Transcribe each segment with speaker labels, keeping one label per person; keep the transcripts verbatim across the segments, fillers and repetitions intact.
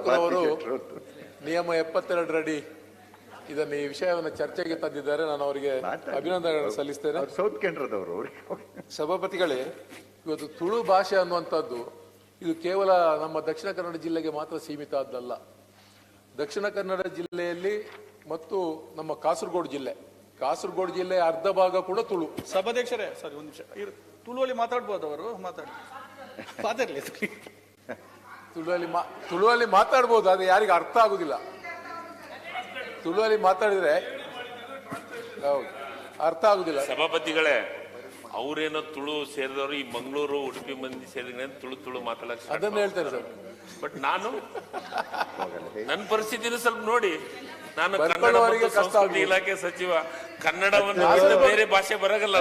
Speaker 1: ಯಡಿಯೂರಪ್ಪನವರು ನಿಯಮ ಎಪ್ಪತ್ತೆರಡರಡಿ ಇದನ್ನು ಈ ವಿಷಯವನ್ನು ಚರ್ಚೆಗೆ ತಂದಿದ್ದಾರೆ. ನಾನು ಅವರಿಗೆ ಅಭಿನಂದನೆಗಳನ್ನು ಸಲ್ಲಿಸ್ತೇನೆ.
Speaker 2: ಸೌತ್ ಕೇಂದ್ರದವರು.
Speaker 1: ಸಭಾಪತಿಗಳೇ, ಇವತ್ತು ತುಳು ಭಾಷೆ ಅನ್ನುವಂಥದ್ದು ಇದು ಕೇವಲ ನಮ್ಮ ದಕ್ಷಿಣ ಕನ್ನಡ ಜಿಲ್ಲೆಗೆ ಮಾತ್ರ ಸೀಮಿತ ಆದ್ದಲ್ಲ. ದಕ್ಷಿಣ ಕನ್ನಡ ಜಿಲ್ಲೆಯಲ್ಲಿ ಮತ್ತು ನಮ್ಮ ಕಾಸರಗೋಡು ಜಿಲ್ಲೆ ಕಾಸರಗೋಡು ಜಿಲ್ಲೆಯ ಅರ್ಧ ಭಾಗ ಕೂಡ ತುಳು.
Speaker 3: ಸಭಾಧ್ಯಕ್ಷರೇ ಸರಿ ಒಂದು ನಿಮಿಷ, ತುಳುವಲ್ಲಿ ಮಾತಾಡ್ಬೋದು ಅವರು ಮಾತಾಡಿ ಮಾತಾಡ್ಲಿ
Speaker 1: ತುಳುವಲ್ಲಿ ಮಾ ತುಳುವಲ್ಲಿ ಮಾತಾಡ್ಬೋದು, ಅದು ಯಾರಿಗೆ ಅರ್ಥ ಆಗುದಿಲ್ಲ. ತುಳುವಲ್ಲಿ ಮಾತಾಡಿದ್ರೆ ಹೌದು ಅರ್ಥ ಆಗುದಿಲ್ಲ.
Speaker 4: ಸಭಾಪತಿಗಳೇ, ಅವರೇನೋ ತುಳು ಸೇರಿದವರು ಈ ಮಂಗಳೂರು ಉಡುಪಿ ಮಂದಿ ಸೇರಿದ್ರೆ ತುಳು ತುಳು ಮಾತಾಡಕ್
Speaker 1: ಅದನ್ನ ಹೇಳ್ತಾರೆ ಸರ್.
Speaker 4: ಬಟ್ ನಾನು ನನ್ನ ಪರಿಸ್ಥಿತಿನ ಸ್ವಲ್ಪ ನೋಡಿ, ನಾನು
Speaker 1: ಬರ್ಕೊಳ್ಳುವವರಿಗೆ ಕಷ್ಟ
Speaker 4: ಸಂಸ್ಕೃತಿ ಇಲಾಖೆ ಸಚಿವ, ಕನ್ನಡವನ್ನು ಬೇರೆ ಭಾಷೆ ಬರಗಲ್ಲ.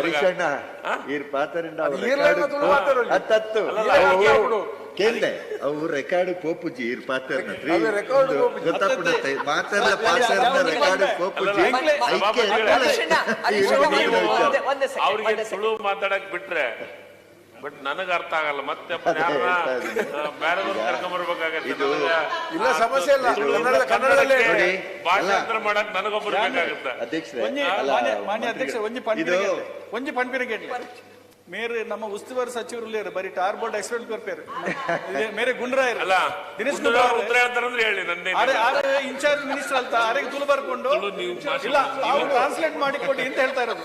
Speaker 2: ಕೇಳ್ದೆ ಅವು ರೆಕಾರ್ಡ್ ಪೋಪುಜಿ ಇರ್ ಪಾತ್ರ ಗೊತ್ತಾಗ್ಬಿಡುತ್ತೆ ಮಾತಾಡ ಪಾತ್ರ ರೆಕಾರ್ಡ್ ಪೋಪುಜಿ
Speaker 4: ಅವ್ರಿಗೆ ತುಳು ಮಾತಾಡಕ್ ಬಿಟ್ರೆ ಬಟ್ ನನಗ ಅರ್ಥ ಆಗಲ್ಲ. ಮತ್ತೆ ಬೇರೆದವ್ರು ಕರ್ಕೊಂಡ್ಬರ್ಬೇಕಾಗತ್ತೆ.
Speaker 1: ಇಲ್ಲ ಸಮಸ್ಯೆ ಇಲ್ಲ, ಕನ್ನಡದಲ್ಲೇ
Speaker 4: ಭಾಷಾಂತರ ಮಾಡಕ್ ನನಗೊಬ್ಬರು ಬೇಕಾಗುತ್ತೆ.
Speaker 2: ಅಧ್ಯಕ್ಷರೇ
Speaker 3: ಮಾನ್ಯ ಅಧ್ಯಕ್ಷ ಒಂಜಿ ಪಂಪಿನ ಒಂಜಿ ಪಂಪಿನ ಕೇಳಿ ಮೇರೆ ನಮ್ಮ ಉಸ್ತುವಾರಿ ಸಚಿವರು ಬರೀ ಟಾರ್ ಬೋರ್ಡ್ ಎಕ್ಸ್ಪೆಕ್ಟ್ ಕೊಡ್ತಾರೆ ಮೇರೆ ಗುಂಡ್ರಾಯರು
Speaker 4: ಅಲ್ಲ
Speaker 3: ದಿನೇಶ್
Speaker 4: ಉತ್ತರ ಹೇಳ್ತಾರಂದ್ರೆ ಹೇಳಿ ನಂದೇ
Speaker 3: ಇನ್ಚಾರ್ಜ್ ಮಿನಿಸ್ಟರ್ ಅಂತ ಅವರಿಗೆ ತುಳು ಬರ್ಕೊಂಡು ಇಲ್ಲ ಅವ್ರು ಟ್ರಾನ್ಸ್ಲೇಟ್ ಮಾಡಿ ಕೊಡಿ ಅಂತ ಹೇಳ್ತಾ ಇರೋದು.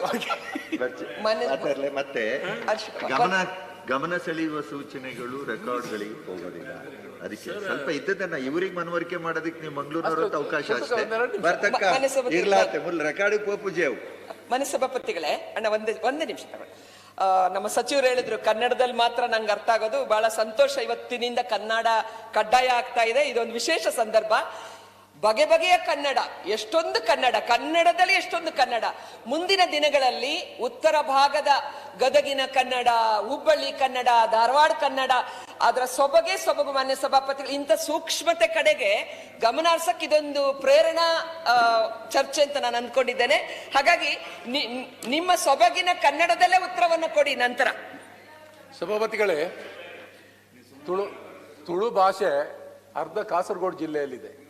Speaker 2: ಮತ್ತೆ ಗಮನ ಗಮನ ಸೆಳೆಯುವ ಸೂಚನೆಗಳು ರೆಕಾರ್ಡ್ಗಳಿಗೆ ಹೋಗೋದಿಲ್ಲ. ಅದಕ್ಕೆ ಸ್ವಲ್ಪ ಇದ್ದದನ್ನ ಇವರಿಗೆ ಮನವರಿಕೆ ಮಾಡೋದಕ್ಕೆ ನೀವು ಮಂಗಳೂರಿನವ್ರ ಅವಕಾಶ ಅಷ್ಟೇ ಬರ್ತಕ್ಕ ಇರ್ಲಾತೆ ಮುಲ್ ರೆಕಾರ್ಡ್ ಪೋಪುಜೇವು.
Speaker 5: ಮನೆ ಸಭಾಪತಿಗಳೇ ಅಣ್ಣ ಒಂದೇ ಒಂದೇ ನಿಮಿಷ ತಗೊಳ್ಳಿ. ನಮ್ಮ ಸಚಿವರು ಹೇಳಿದ್ರು ಕನ್ನಡದಲ್ಲಿ ಮಾತ್ರ ನಂಗೆ ಅರ್ಥ ಆಗೋದು. ಬಹಳ ಸಂತೋಷ, ಇವತ್ತಿನಿಂದ ಕನ್ನಡ ಕಡ್ಡಾಯ ಆಗ್ತಾ ಇದೆ. ಇದೊಂದು ವಿಶೇಷ ಸಂದರ್ಭ. ಬಗೆ ಬಗೆಯ ಕನ್ನಡ, ಎಷ್ಟೊಂದು ಕನ್ನಡ, ಕನ್ನಡದಲ್ಲಿ ಎಷ್ಟೊಂದು ಕನ್ನಡ. ಮುಂದಿನ ದಿನಗಳಲ್ಲಿ ಉತ್ತರ ಭಾಗದ ಗದಗಿನ ಕನ್ನಡ, ಹುಬ್ಬಳ್ಳಿ ಕನ್ನಡ, ಧಾರವಾಡ ಕನ್ನಡ, ಅದರ ಸೊಬಗೆ ಸೊಬಗು. ಮಾನ್ಯ ಸಭಾಪತಿಗಳು, ಇಂಥ ಸೂಕ್ಷ್ಮತೆ ಕಡೆಗೆ ಗಮನ ಹರಿಸಕ್ಕೆ ಇದೊಂದು ಪ್ರೇರಣಾ ಚರ್ಚೆ ಅಂತ ನಾನು ಅಂದ್ಕೊಂಡಿದ್ದೇನೆ. ಹಾಗಾಗಿ ನಿಮ್ಮ ಸೊಬಗಿನ ಕನ್ನಡದಲ್ಲೇ ಉತ್ತರವನ್ನು ಕೊಡಿ ನಂತರ.
Speaker 1: ಸಭಾಪತಿಗಳೇ, ತುಳು ತುಳು ಭಾಷೆ ಅರ್ಧ ಕಾಸರಗೋಡು ಜಿಲ್ಲೆಯಲ್ಲಿದೆ.